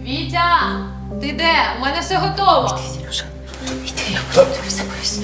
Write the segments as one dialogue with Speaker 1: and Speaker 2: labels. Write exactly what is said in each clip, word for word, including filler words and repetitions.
Speaker 1: Вітя! Ти де? У мене все готово.
Speaker 2: Йди, Сережа. Йди, я буду тобі все поясню.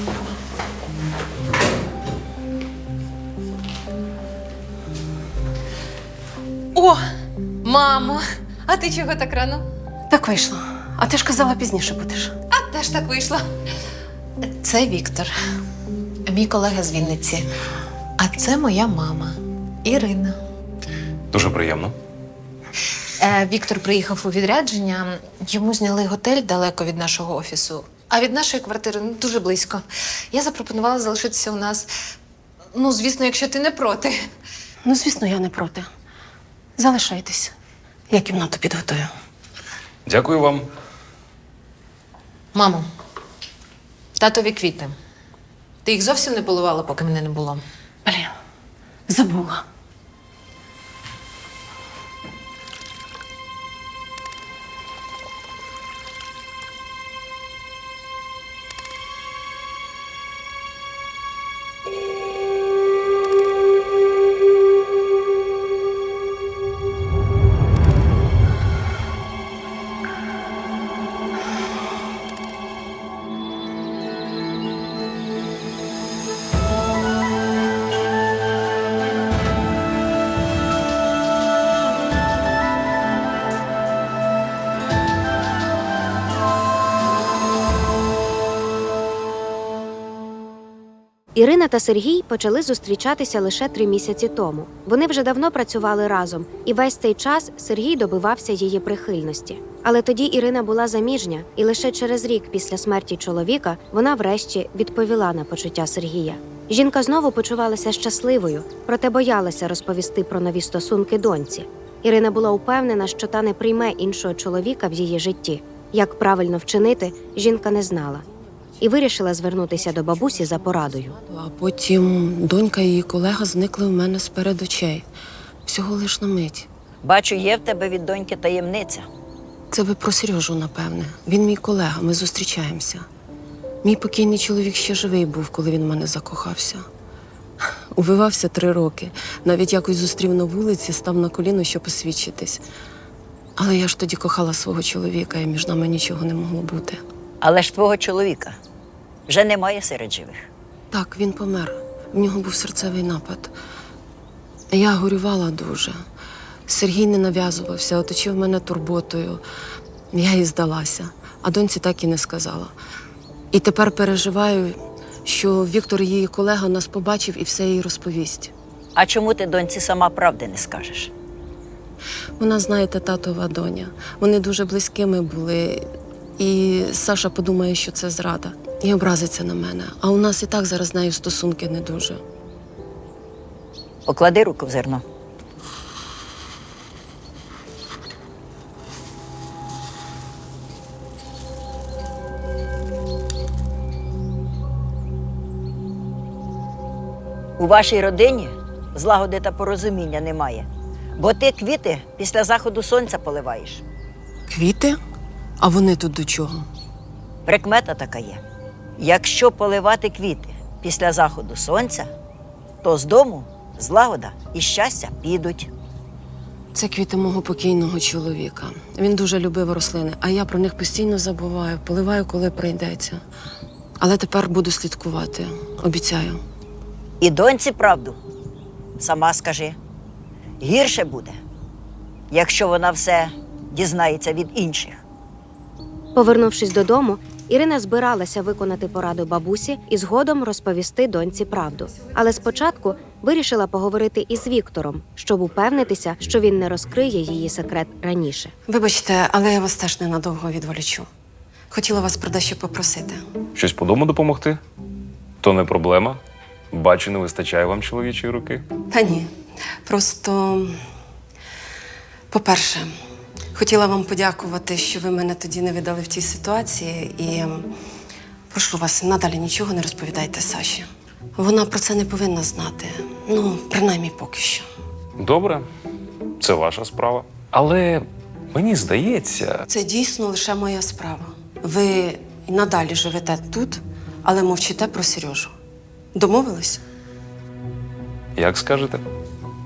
Speaker 1: О, мамо! А ти чого так рано?
Speaker 2: Так вийшло. А ти ж казала, пізніше будеш.
Speaker 1: А теж так вийшло.
Speaker 3: Це Віктор, мій колега з Вінниці. А це моя мама Ірина.
Speaker 4: Дуже приємно.
Speaker 3: Е, Віктор приїхав у відрядження, йому зняли готель далеко від нашого офісу, а від нашої квартири ну, дуже близько. Я запропонувала залишитися у нас. Ну, звісно, якщо ти не проти.
Speaker 2: Ну, звісно, я не проти. Залишайтесь. Я кімнату підготую.
Speaker 4: Дякую вам.
Speaker 3: Мамо, татові квіти. Ти їх зовсім не поливала, поки мене не було.
Speaker 2: Блін, забула.
Speaker 5: Ірина та Сергій почали зустрічатися лише три місяці тому. Вони вже давно працювали разом, і весь цей час Сергій добивався її прихильності. Але тоді Ірина була заміжня, і лише через рік після смерті чоловіка вона врешті відповіла на почуття Сергія. Жінка знову почувалася щасливою, проте боялася розповісти про нові стосунки доньці. Ірина була упевнена, що та не прийме іншого чоловіка в її житті. Як правильно вчинити, жінка не знала. І вирішила звернутися до бабусі за порадою.
Speaker 2: А потім донька і її колега зникли в мене з-перед очей. Всього лиш на мить.
Speaker 6: Бачу, є в тебе від доньки таємниця.
Speaker 2: Це ви про Сережу, напевне. Він мій колега, ми зустрічаємося. Мій покійний чоловік ще живий був, коли він в мене закохався. Увивався три роки. Навіть якось зустрів на вулиці, став на коліно, щоб освідчитись. Але я ж тоді кохала свого чоловіка, і між нами нічого не могло бути.
Speaker 6: Але ж твого чоловіка вже немає серед живих.
Speaker 2: Так, він помер. В нього був серцевий напад. Я горювала дуже. Сергій не нав'язувався, оточив мене турботою. Я їй здалася, а доньці так і не сказала. І тепер переживаю, що Віктор, її колега, нас побачив і все їй розповість.
Speaker 6: А чому ти доньці сама правди не скажеш?
Speaker 2: Вона, знаєте, татова доня. Вони дуже близькими були. І Саша подумає, що це зрада. І образиться на мене. А у нас і так зараз з нею стосунки не дуже.
Speaker 6: Поклади руку в зерно. У вашій родині злагоди та порозуміння немає. Бо ти квіти після заходу сонця поливаєш.
Speaker 2: Квіти? А вони тут до чого?
Speaker 6: Прикмета така є. Якщо поливати квіти після заходу сонця, то з дому злагода і щастя підуть.
Speaker 2: Це квіти мого покійного чоловіка. Він дуже любив рослини, а я про них постійно забуваю, поливаю, коли прийдеться. Але тепер буду слідкувати, обіцяю.
Speaker 6: І доньці правду сама скажи. Гірше буде, якщо вона все дізнається від інших.
Speaker 5: Повернувшись додому, Ірина збиралася виконати пораду бабусі і згодом розповісти доньці правду. Але спочатку вирішила поговорити із Віктором, щоб упевнитися, що він не розкриє її секрет раніше.
Speaker 2: Вибачте, але я вас теж ненадовго відволічу. Хотіла вас про дещо попросити.
Speaker 4: Щось по дому допомогти? То не проблема. Бачу, не вистачає вам чоловічої руки.
Speaker 2: Та ні. Просто, по-перше, хотіла вам подякувати, що ви мене тоді не видали в тій ситуації. І прошу вас, надалі нічого не розповідайте Саші. Вона про це не повинна знати. Ну, принаймні поки що.
Speaker 4: Добре, це ваша справа. Але мені здається,
Speaker 2: Це дійсно лише моя справа. Ви і надалі живете тут, але мовчите про Сережу. Домовились?
Speaker 4: як скажете.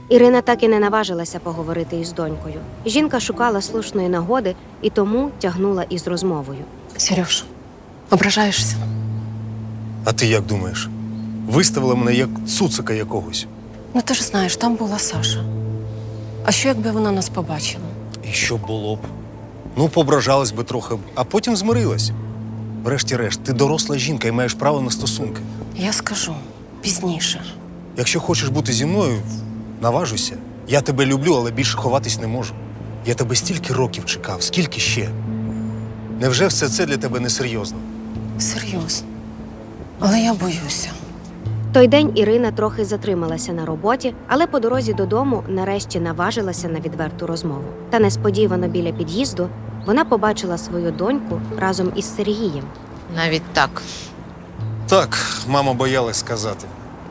Speaker 5: Ірина так і не наважилася поговорити із донькою. Жінка шукала слушної нагоди і тому тягнула із розмовою.
Speaker 2: Сереж, ображаєшся?
Speaker 7: А ти як думаєш? Виставила мене як цуцика якогось.
Speaker 2: Ну ти ж знаєш, там була Саша. А що, якби вона нас побачила?
Speaker 7: І що було б? Ну, поображалась би трохи, а потім змирилась. Врешті-решт, ти доросла жінка і маєш право на стосунки.
Speaker 2: Я скажу пізніше.
Speaker 7: Якщо хочеш бути зі мною, наважуйся. Я тебе люблю, але більше ховатись не можу. Я тебе стільки років чекав, скільки ще? Невже все це для тебе несерйозно?
Speaker 2: Серйозно. Але я боюся.
Speaker 5: Той день Ірина трохи затрималася на роботі, але по дорозі додому нарешті наважилася на відверту розмову. Та несподівано біля під'їзду вона побачила свою доньку разом із Сергієм.
Speaker 3: Навіть так.
Speaker 7: Так, мама боялась сказати.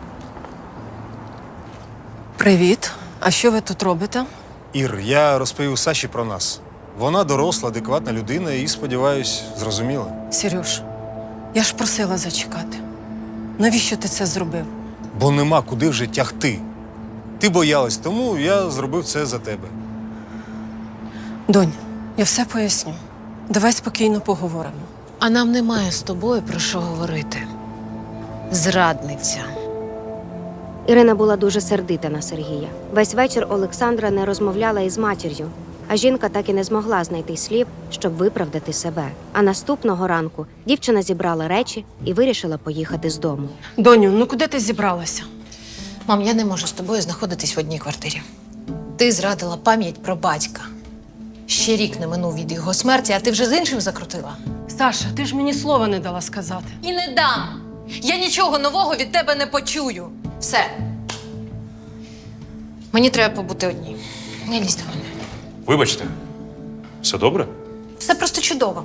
Speaker 2: Привіт. А що ви тут робите?
Speaker 7: Ір, я розповів Саші про нас. Вона доросла, адекватна людина і, сподіваюсь, зрозуміла.
Speaker 2: Сереж, я ж просила зачекати. Навіщо ти це зробив?
Speaker 7: Бо нема куди вже тягти. Ти боялась, тому я зробив це за тебе.
Speaker 2: Донь, я все поясню. Давай спокійно поговоримо.
Speaker 3: А нам немає з тобою про що говорити. Зрадниця.
Speaker 5: Ірина була дуже сердита на Сергія. Весь вечір Олександра не розмовляла із матір'ю, а жінка так і не змогла знайти слів, щоб виправдати себе. А наступного ранку дівчина зібрала речі і вирішила поїхати з дому.
Speaker 2: Доню, ну куди ти зібралася?
Speaker 3: Мам, я не можу з тобою знаходитись в одній квартирі. Ти зрадила пам'ять про батька. Ще рік не минув від його смерті, а ти вже з іншим закрутила.
Speaker 2: Саша, ти ж мені слова не дала сказати.
Speaker 1: І не дам. Я нічого нового від тебе не почую.
Speaker 3: Все. Мені треба побути одній. Не лізь до мене.
Speaker 4: Вибачте, все добре?
Speaker 3: Все просто чудово.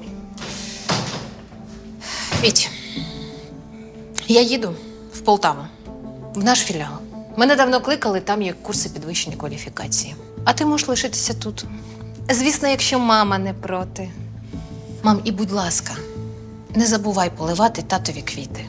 Speaker 3: Віть, я їду в Полтаву, в наш філіал. Мене давно кликали, там є курси підвищення кваліфікації. А ти можеш лишитися тут. Звісно, якщо мама не проти. Мам, і будь ласка, не забувай поливати татові квіти.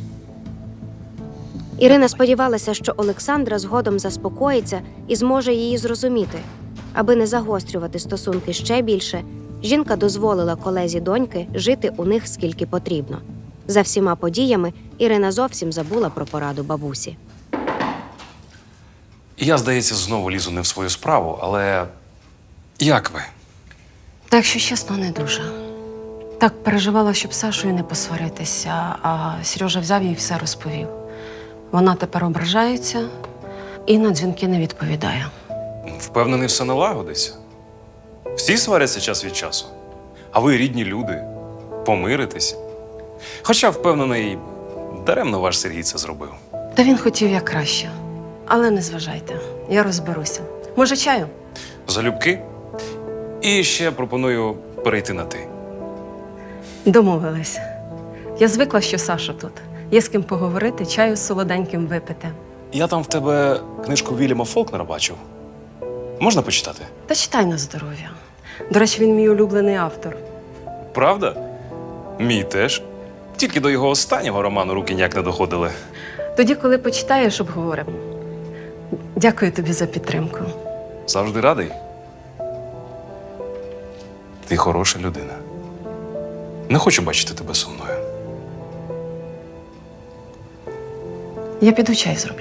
Speaker 5: Ірина сподівалася, що Олександра згодом заспокоїться і зможе її зрозуміти. Аби не загострювати стосунки ще більше, жінка дозволила колезі доньки жити у них скільки потрібно. За всіма подіями Ірина зовсім забула про пораду бабусі.
Speaker 4: Я, здається, знову лізу не в свою справу, але як ви?
Speaker 2: Так, якщо чесно, не дуже. Так переживала, щоб з Сашою не посваритися, а Сережа взяв їй все розповів. Вона тепер ображається і на дзвінки не відповідає.
Speaker 4: Впевнений, все налагодиться. Всі сваряться час від часу. А ви рідні люди. Помиритесь. Хоча, впевнений, даремно ваш Сергій це зробив.
Speaker 2: Та він хотів як краще. Але не зважайте, я розберуся. Може, чаю?
Speaker 4: Залюбки. І ще пропоную перейти на ти.
Speaker 2: Домовились. Я звикла, що Саша тут. Є з ким поговорити, чаю з солоденьким випити.
Speaker 4: Я там в тебе книжку Вільяма Фолкнера бачив. Можна почитати?
Speaker 2: Та читай на здоров'я. До речі, він мій улюблений автор.
Speaker 4: Правда? Мій теж. Тільки до його останнього роману руки ніяк не доходили.
Speaker 2: Тоді, коли почитаєш, обговоримо. Дякую тобі за підтримку.
Speaker 4: Завжди радий. Ти хороша людина. Не хочу бачити тебе сумною.
Speaker 2: Я піду чай зроблю.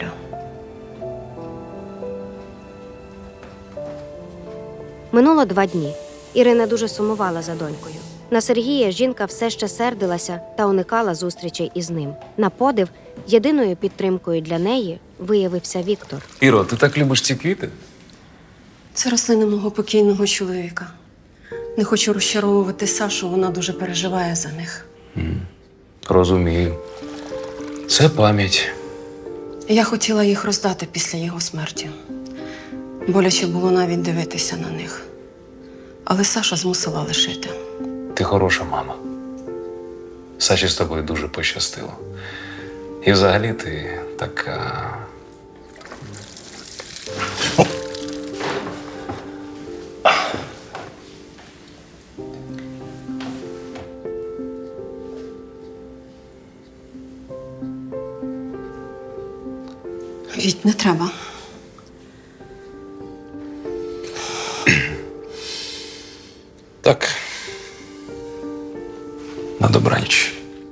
Speaker 5: Минуло два дні. Ірина дуже сумувала за донькою. На Сергія жінка все ще сердилася та уникала зустрічей із ним. На подив, єдиною підтримкою для неї виявився Віктор.
Speaker 4: Іро, ти так любиш ці квіти?
Speaker 2: Це рослини мого покійного чоловіка. Не хочу розчаровувати Сашу, вона дуже переживає за них.
Speaker 4: Розумію. Це пам'ять.
Speaker 2: Я хотіла їх роздати після його смерті. Боляче було навіть дивитися на них. Але Саша змусила лишити.
Speaker 4: Ти хороша мама. Саші з тобою дуже пощастило. І взагалі ти така.
Speaker 2: Віть, не треба.
Speaker 4: Так. На добраніч.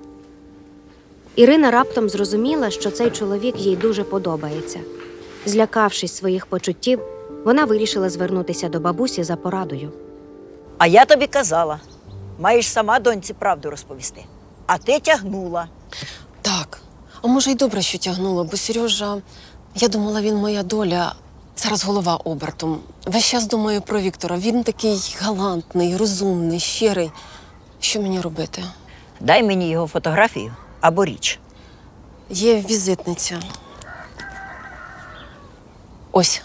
Speaker 5: Ірина раптом зрозуміла, що цей чоловік їй дуже подобається. Злякавшись своїх почуттів, вона вирішила звернутися до бабусі за порадою.
Speaker 6: А я тобі казала, маєш сама доньці правду розповісти. А ти тягнула.
Speaker 2: Так, а може й добре, що тягнула, бо Сережа, я думала, він моя доля. Зараз голова обертом. Весь час думаю про Віктора. Він такий галантний, розумний, щирий. Що мені робити?
Speaker 6: Дай мені його фотографію або річ.
Speaker 2: Є візитниця. Ось.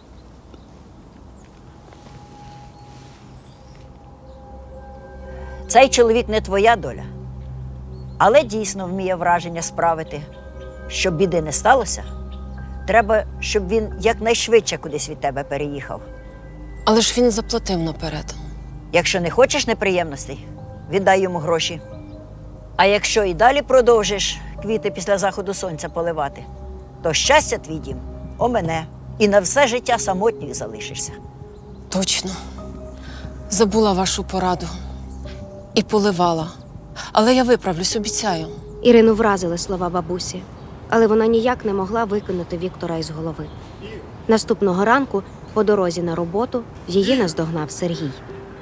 Speaker 6: Цей чоловік не твоя доля, але дійсно вміє враження справити. Щоб біди не сталося, треба, щоб він якнайшвидше кудись від тебе переїхав.
Speaker 2: Але ж він заплатив наперед.
Speaker 6: Якщо не хочеш неприємностей, віддай йому гроші. А якщо і далі продовжиш квіти після заходу сонця поливати, то щастя твій дім омене, і на все життя самотньою залишишся.
Speaker 2: Точно. Забула вашу пораду. І поливала. Але я виправлюсь, обіцяю.
Speaker 5: Ірину вразили слова бабусі, але вона ніяк не могла викинути Віктора із голови. Наступного ранку, по дорозі на роботу, її наздогнав Сергій.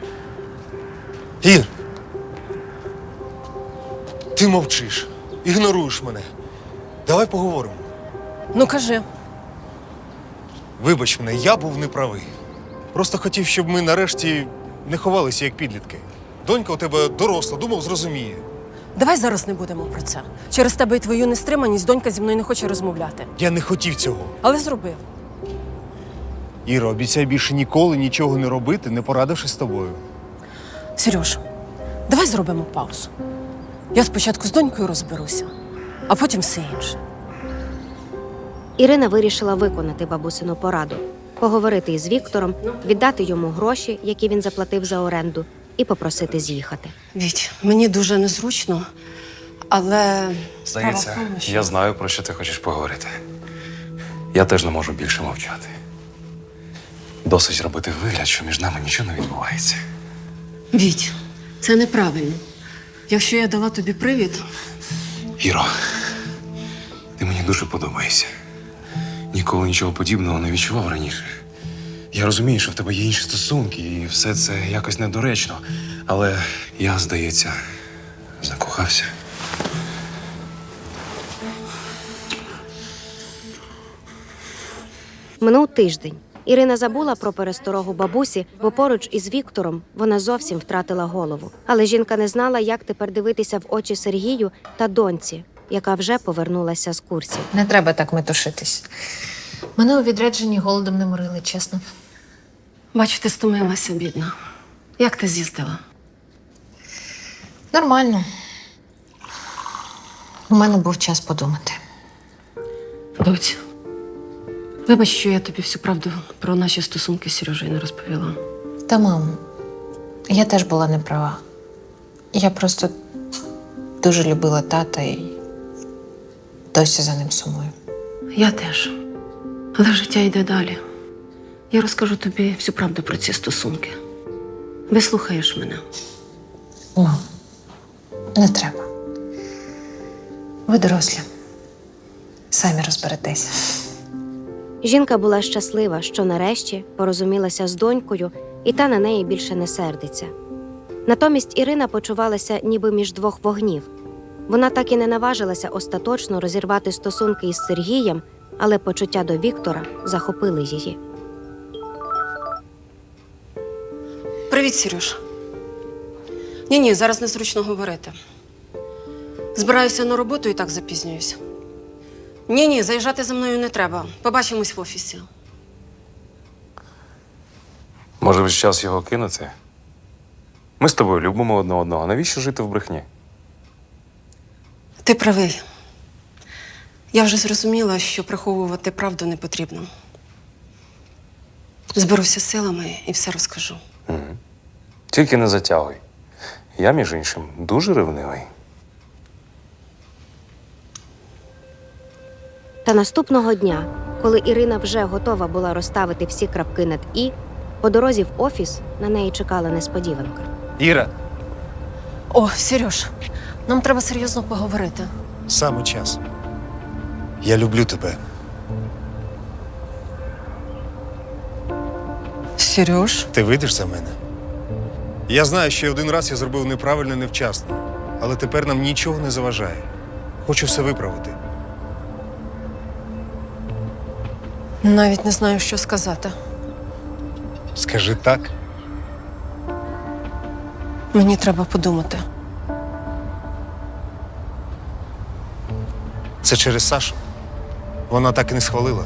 Speaker 7: Ір! Ти мовчиш, ігноруєш мене. Давай поговоримо.
Speaker 2: Ну, кажи.
Speaker 7: Вибач мене, я був неправий. Просто хотів, щоб ми нарешті не ховалися як підлітки. Донька у тебе доросла, думав, зрозуміє.
Speaker 2: Давай зараз не будемо про це. Через тебе і твою нестриманість донька зі мною не хоче розмовляти.
Speaker 7: Я не хотів цього.
Speaker 2: Але зробив.
Speaker 7: Іра, обіцяй більше ніколи нічого не робити, не порадившись з тобою.
Speaker 2: Сереж, давай зробимо паузу. Я спочатку з донькою розберуся, а потім все інше.
Speaker 5: Ірина вирішила виконати бабусину пораду, поговорити із Віктором, віддати йому гроші, які він заплатив за оренду, і попросити з'їхати.
Speaker 2: Віть, мені дуже незручно, але справа в
Speaker 4: Здається,
Speaker 2: тому, що...
Speaker 4: я знаю, про що ти хочеш поговорити. Я теж не можу більше мовчати. Досить робити вигляд, що між нами нічого не відбувається.
Speaker 2: Віть, це неправильно. Якщо я дала тобі привід,
Speaker 4: Іро, ти мені дуже подобаєшся. Ніколи нічого подібного не відчував раніше. Я розумію, що в тебе є інші стосунки, і все це якось недоречно. Але я, здається, закохався.
Speaker 5: Минув тиждень. Ірина забула про пересторогу бабусі, бо поруч із Віктором вона зовсім втратила голову. Але жінка не знала, як тепер дивитися в очі Сергію та доньці, яка вже повернулася з курсів.
Speaker 3: Не треба так метушитись. Мене у відрядженні голодом не морили, чесно.
Speaker 2: бачу, ти стомилася, бідна. Як ти з'їздила?
Speaker 3: Нормально. У мене був час подумати.
Speaker 2: Доць, вибач, що я тобі всю правду про наші стосунки з Сережею не розповіла.
Speaker 3: Та, мамо, я теж була неправа. Я просто дуже любила тата і досі за ним сумую.
Speaker 2: Я теж. Але життя йде далі. Я розкажу тобі всю правду про ці стосунки. Вислухаєш мене.
Speaker 3: Мам, не треба. Ви дорослі. Самі розберетеся.
Speaker 5: Жінка була щаслива, що нарешті порозумілася з донькою, і та на неї більше не сердиться. Натомість Ірина почувалася ніби між двох вогнів. Вона так і не наважилася остаточно розірвати стосунки із Сергієм, але почуття до Віктора захопили її.
Speaker 2: Привіт, Сереж. Ні-ні, зараз незручно говорити. Збираюся на роботу і так запізнююся. Ні-ні, заїжджати за мною не треба. Побачимось в офісі.
Speaker 4: Може, вже час його кинути? Ми з тобою любимо одне одного. Навіщо жити в брехні?
Speaker 2: Ти правий. Я вже зрозуміла, що приховувати правду не потрібно. Зберуся силами і все розкажу.
Speaker 4: Угу. Тільки не затягуй. Я, між іншим, дуже ревнивий.
Speaker 5: Та наступного дня, коли Ірина вже готова була розставити всі крапки над «і», По дорозі в офіс на неї чекала несподіванка.
Speaker 7: Іра,
Speaker 2: О, Сереж, нам треба серйозно поговорити.
Speaker 7: саме час. Я люблю тебе.
Speaker 2: Сереж?
Speaker 7: Ти вийдеш за мене? Я знаю, що один раз я зробив неправильно, невчасно. Але тепер нам нічого не заважає. Хочу все виправити.
Speaker 2: Навіть не знаю, що сказати.
Speaker 7: Скажи так.
Speaker 2: Мені треба подумати.
Speaker 7: Це через Сашу. Вона так і не схвалила.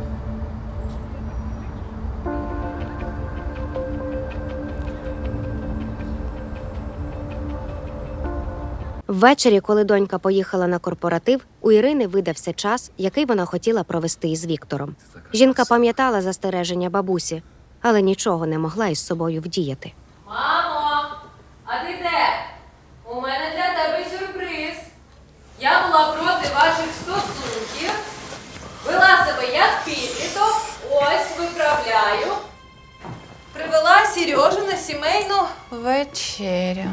Speaker 5: Ввечері, коли донька поїхала на корпоратив, у Ірини видався час, який вона хотіла провести із Віктором. Жінка пам'ятала застереження бабусі, але нічого не могла із собою вдіяти.
Speaker 1: Мамо, а ти де? У мене для тебе сюрприз. Я була проти ваших стосунків, вела себе як підліток, ось виправляю. Привела Сережу на сімейну вечерю.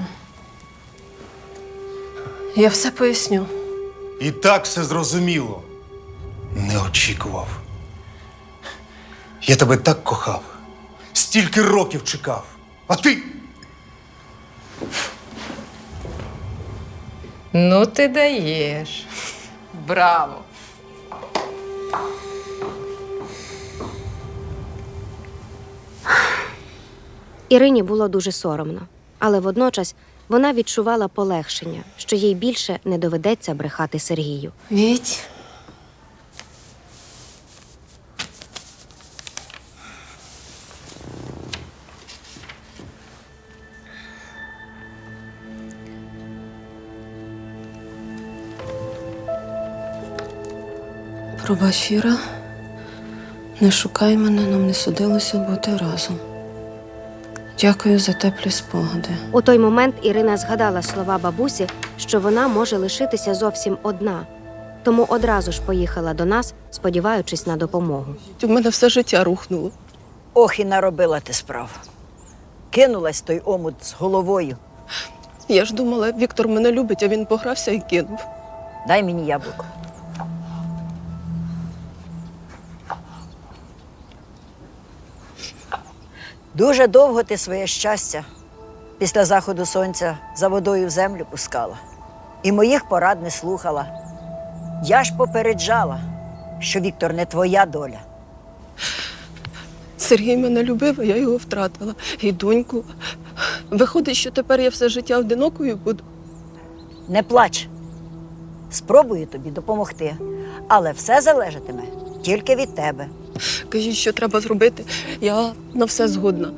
Speaker 2: Я все поясню.
Speaker 7: І так все зрозуміло. Не очікував. Я тебе так кохав. Стільки років чекав. А ти?
Speaker 1: Ну ти даєш. Браво.
Speaker 5: Ірині було дуже соромно, але водночас вона відчувала полегшення, що їй більше не доведеться брехати Сергію.
Speaker 2: Віть. Пробач, Іра. Не шукай мене, нам не судилося бути разом. Дякую за теплі спогади.
Speaker 5: У той момент Ірина згадала слова бабусі, що вона може лишитися зовсім одна, тому одразу ж поїхала до нас, сподіваючись на допомогу.
Speaker 2: У мене все життя рухнуло.
Speaker 6: Ох, і наробила ти справ. Кинулась в той омут з головою.
Speaker 2: Я ж думала, Віктор мене любить, а він погрався і кинув.
Speaker 6: Дай мені яблуко. Дуже довго ти своє щастя після заходу сонця за водою в землю пускала. І моїх порад не слухала. Я ж попереджала, що Віктор не твоя доля.
Speaker 2: Сергій мене любив, а я його втратила. І доньку. Виходить, що тепер я все життя одинокою буду.
Speaker 6: Не плач. Спробую тобі допомогти, але все залежатиме тільки від тебе.
Speaker 2: Кажіть, що треба зробити. Я на все згодна.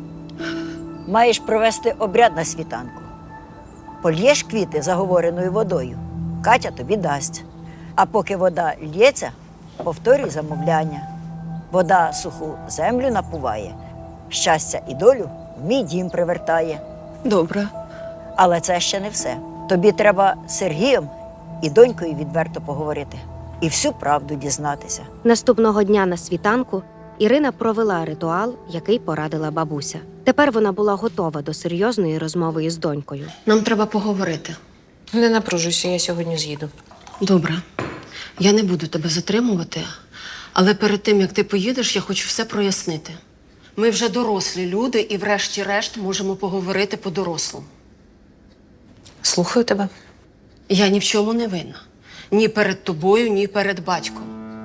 Speaker 6: Маєш провести обряд на світанку. Польєш квіти заговореною водою, Катя тобі дасть. А поки вода лється, повторюй замовляння. Вода суху землю напуває, щастя і долю в мій дім привертає.
Speaker 2: Добре.
Speaker 6: Але це ще не все. Тобі треба з Сергієм і донькою відверто поговорити. І всю правду дізнатися.
Speaker 5: Наступного дня на світанку Ірина провела ритуал, який порадила бабуся. Тепер вона була готова до серйозної розмови із донькою.
Speaker 2: Нам треба поговорити.
Speaker 3: Не напружуйся, я сьогодні з'їду.
Speaker 2: Добре. Я не буду тебе затримувати, але перед тим, як ти поїдеш, я хочу все прояснити. Ми вже дорослі люди і врешті-решт можемо поговорити по-дорослому.
Speaker 3: Слухаю тебе.
Speaker 2: Я ні в чому не винна. Ні перед тобою, ні перед батьком.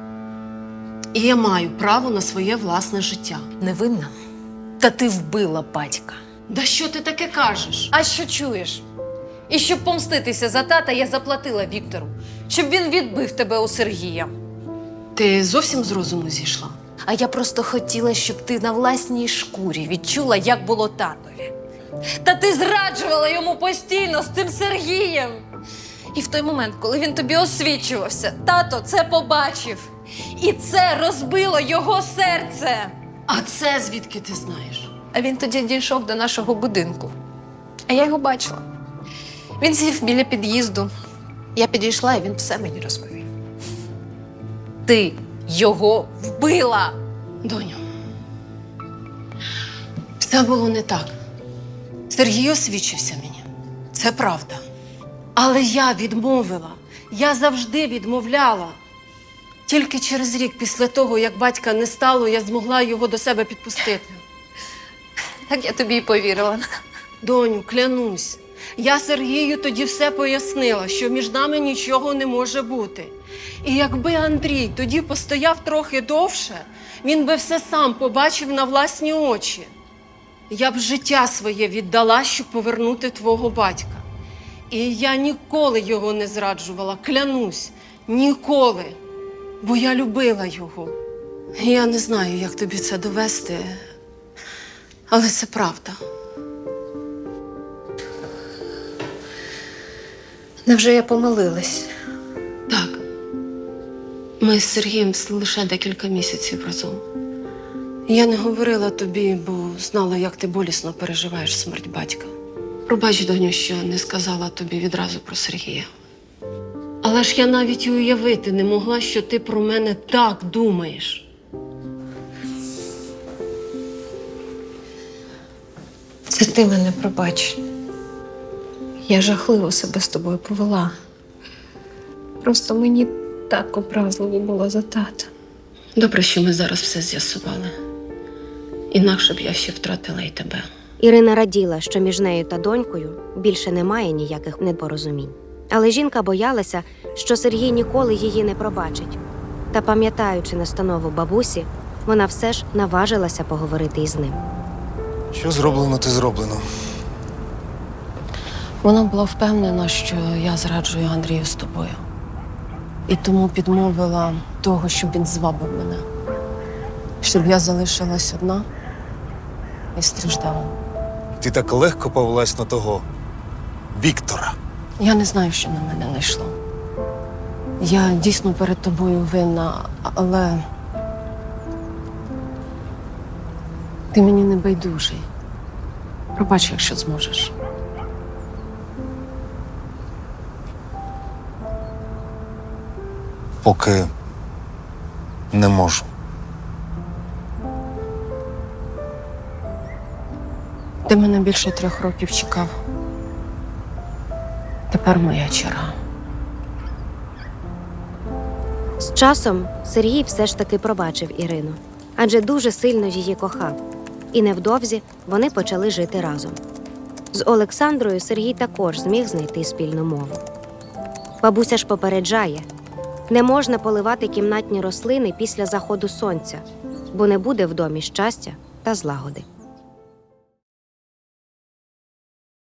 Speaker 2: І я маю право на своє власне життя.
Speaker 3: Невинна? Та ти вбила батька.
Speaker 2: Да що ти таке кажеш?
Speaker 1: А що чуєш? І щоб помститися за тата, я заплатила Віктору, щоб він відбив тебе у Сергія.
Speaker 2: Ти зовсім з розуму зійшла?
Speaker 1: А я просто хотіла, щоб ти на власній шкурі відчула, як було татові. Та ти зраджувала йому постійно з цим Сергієм. І в той момент, коли він тобі освічувався, тато це побачив. І це розбило його серце.
Speaker 2: А це звідки ти знаєш?
Speaker 3: А він тоді дійшов до нашого будинку. А я його бачила. Він сів біля під'їзду. Я підійшла, і він все мені розповів.
Speaker 1: Ти його вбила.
Speaker 2: Доню, Все було не так. Сергій освічився мені. Це правда. Але я відмовила. Я завжди відмовляла. Тільки через рік після того, як батька не стало, я змогла його до себе підпустити.
Speaker 3: Так я тобі й повірила.
Speaker 2: Доню, клянусь, я Сергію тоді все пояснила, що між нами нічого не може бути. І якби Андрій тоді постояв трохи довше, він би все сам побачив на власні очі. Я б життя своє віддала, щоб повернути твого батька. І я ніколи його не зраджувала, клянусь, ніколи. Бо я любила його. Я не знаю, як тобі це довести, але це правда.
Speaker 3: Невже я помилилась?
Speaker 2: Так. Ми з Сергієм лише декілька місяців разом. Я не говорила тобі, бо знала, як ти болісно переживаєш смерть батька. Пробач, доню, що не сказала тобі відразу про Сергія. Але ж я навіть і уявити не могла, що ти про мене так думаєш.
Speaker 3: Це ти мене пробач. Я жахливо себе з тобою повела. Просто мені так образливо було за тата.
Speaker 2: Добре, що ми зараз все з'ясували. Інакше б я ще втратила й тебе.
Speaker 5: Ірина раділа, що між нею та донькою більше немає ніяких непорозумінь. Але жінка боялася, що Сергій ніколи її не пробачить. Та, пам'ятаючи настанову бабусі, вона все ж наважилася поговорити із ним.
Speaker 7: Що зроблено, те зроблено.
Speaker 2: Вона була впевнена, що я зраджую Андрію з тобою. І тому підмовила того, щоб він звабив мене. Щоб я залишилась одна і страждала.
Speaker 7: Ти так легко повелась на того Віктора.
Speaker 2: Я не знаю, що на мене найшло. Я дійсно перед тобою винна, але ти мені не байдужий. Пробач, якщо зможеш.
Speaker 7: Поки не можу.
Speaker 2: Ти мене більше трьох років чекав. Тепер моя черга.
Speaker 5: З часом Сергій все ж таки пробачив Ірину, адже дуже сильно її кохав. І невдовзі вони почали жити разом. З Олександрою Сергій також зміг знайти спільну мову. Бабуся ж попереджає, не можна поливати кімнатні рослини після заходу сонця, бо не буде в домі щастя та злагоди.